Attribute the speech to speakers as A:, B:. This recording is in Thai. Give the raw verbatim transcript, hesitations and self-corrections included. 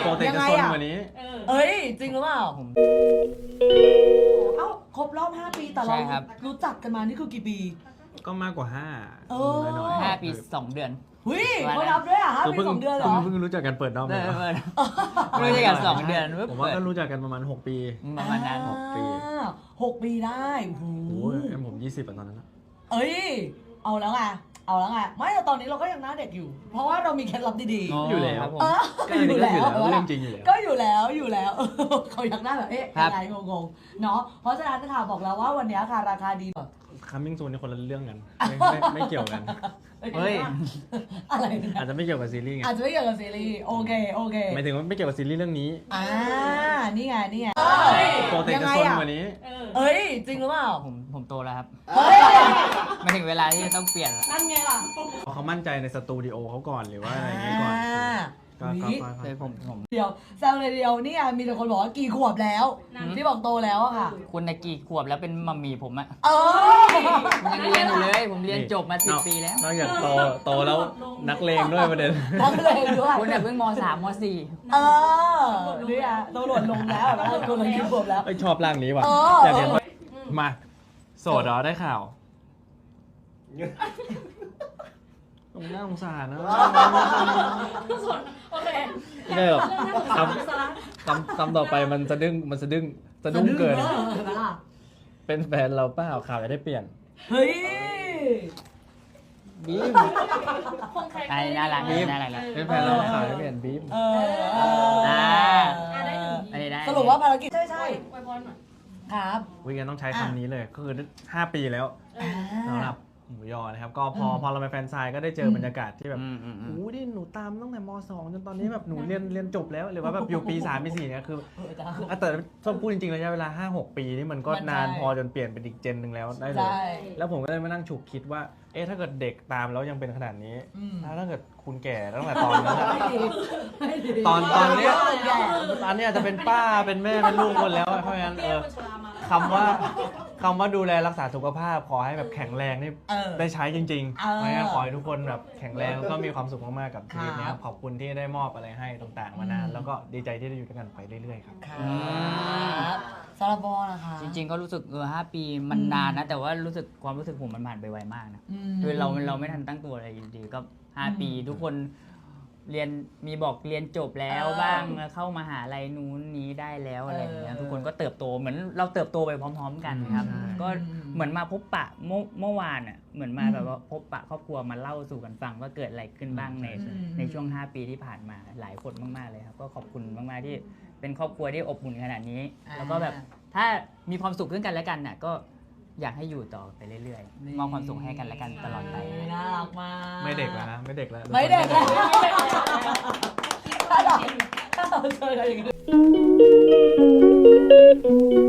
A: ปกติจะซนกว่านี้
B: เอ้ยจริงหรือเปล่าเอ้าครบรอบห้าปีแต่เรารู้จักกันมานี่คือกี่ปี
A: ก็มากกว่าห้า
B: น้อย
C: ห้าปีสองเดือน
B: เฮ้ยเขานับด้วยอ่ะห้าปีสองเดือนเหรอ
A: เพิ่งรู้จักกันเปิดรอบเลย
C: รู้จักกันสองเดือน
A: ผมว่าก็รู้จักกันประมาณหกปี
C: ประมาณนั้น
B: หกปีหกปีได้โอ้
A: โหผมยี่สิบตอนนั้น
B: เอ้ยเอาแล้วไงเอาแล้วไงไม่แต่ตอนนี้เราก็ยังหน้าเด็กอยู่เพราะว่าเรามีเคล็ดลับดี
A: ๆอยู่แล้ว
B: ก็อยู่แล้ว
A: เรื่องจริงอยู่แล้ว
B: ก็อยู่แล้วอยู่แล้วเขาอยากหน้าแบบเอ๊ะอะไรงงๆเนาะเพราะฉะนั้นค่ะบอกแล้วว่าวันนี้ค่ะราคาดี
A: คัมมิ่งซูนในคนละเรื่องกันไม่เกี่ยวกัน
C: เฮ้ย
B: อะไร
A: อาจจะไม่เกี่ยวกับซีรีส์ไง
B: อาจจะไม่เกี่ยวกับซีรีส์โอเคโอเค
A: หมายถึงว่าไม่เกี่ยวกับซีรีส์เรื่องนี้
B: อ่านี่ไงนี่ไง
A: ปกติจะซนกว่านี้
B: เอ้ยจริงหรือเปล่า
C: ผมผมโตแล้วครับไม่ถึงเวลาที่จะต้องเปลี่ยน
B: นั่นไงล่ะ
A: เขามั่นใจในสตูดิโอเขาก่อนหรือว่าอะไรอย่างนี้ก่อนก็
C: เลยผมผม
B: เดี๋ยวแซวเลยเดียวนี่มีแต่คนบอกว่ากี่ขวบแล้วที่บอกโตแล้วอะค่ะ
C: คุณในกี่ขวบแล้วเป็นมัมมี่ผมอะ
B: เออ
C: ยังเรียนอยู่เลยผมเรียนจบมาสิบปีแล้ว
A: นอกจากโตโตแล้วนักเลงด้วยประเด็น
B: นักเลงด้วย
C: คุณเนี่ยเพิ่งมสามมสี่
B: เออนี่อะโตหล่นลงแล้วนะคนละกี่ขวบแล้ว
A: ชอบร่างนี้ว่ะอยากเห็นมาโสดเหรอได้ข่าวผมน่าสงสารนะ
B: โอเค
A: ไม่หรอกคำคำคำต่อไปมันจะดึงมันจะดึงจะดุ้งเกินเป็นแฟนเราเปล่าข่าวจะได้เปลี่ยน
B: เฮ้ย
A: บีม
C: ไอ้น่ารักน่ารักแล้ว
A: เป็นแฟนเราข่าวจะเปลี่ยนบีม
B: เออ
C: อ่า
B: ได้สรุปว่าภารกิจใช่ใช่ครับ
A: วิกันต้องใช้คำนี้เลยก็คือห้าปีแล้วสำหรับหมูยอนะครับก็พอพอเราไปแฟนไซน์ก็ได้เจอบรรยากาศที่แบบโอ้ดิหนูตามตั้งแต่ม.สอง จนตอนนี้แบบหนูเรียนเรียนจบแล้วหรือว่าแบบอยู่ปีสามปีสี่เนี่ยคือแต่ต้องพูดจริงๆระยะเวลา ห้าหก ปีนี่มันก็นานพอจนเปลี่ยนเป็นอีกเจนหนึ่งแล้วได้เลยแล้วผมก็เลยมานั่งฉุกคิดว่าเอ๊ะถ้าเกิดเด็กตามแล้วยังเป็นขนาดนี้แล้วถ้าเกิดคุณแก่ตั้งแต่ตอนนั้นตอนตอนนี้ตอนนี้อาจจะเป็นป้าเป็นแม่เป็นลูกคนแล้วเพราะงั้นเออคำว่าคำว่าดูแลรักษาสุขภาพขอให้แบบแข็งแรงนี่ได้ใช้จริงๆไม่งั้นขอให้ทุกคนแบบแข็งแรงแล้วก็มีความสุขมากๆกับชีวิตนี้ขอบคุณที่ได้มอบอะไรให้ต่างๆมานานแล้วก็ดีใจที่ได้อยู่ด้วยกันไปเรื่อยๆครับ
B: ซาลาบอนะคะ
C: จริงๆก็รู้สึกเออห้าปีมันนานนะแต่ว่ารู้สึกความรู้สึกผมมันผ่านไปไวมากนะคือเราเราไม่ทันตั้งตัวอะไรดีก็ห้าปีทุกคนเรียนมีบอกเรียนจบแล้วบ้างเข้ามหาลัยนู้นนี้ได้แล้วอะไรอย่างเงี้ยทุกคนก็เติบโตเหมือนเราเติบโตไปพร้อมๆกันครับก็เหมือนมาพบปะเมื่อเมื่อวานอ่ะเหมือนมาแบบว่าพบปะครอบครัวมาเล่าสู่กันฟังว่าเกิดอะไรขึ้นบ้างในในช่วงห้าปีที่ผ่านมาหลายคนมากๆเลยครับก็ขอบคุณมากๆที่เป็นครอบครัวที่อบอุ่นขนาดนี้แล้วก็แบบถ้ามีความสุขขึ้นกันและกันน่ะก็อยากให้อยู่ต่อไปเรื่อยๆมอบความสุขให้กันและกันตลอดไป
B: น่ารักมาก
A: ไม่เด็กแล้วนะไม่เด็กแล้ว
B: ไม่เด็กแล้วถ้าเราถ้าเราเจออะไรอย่างนี้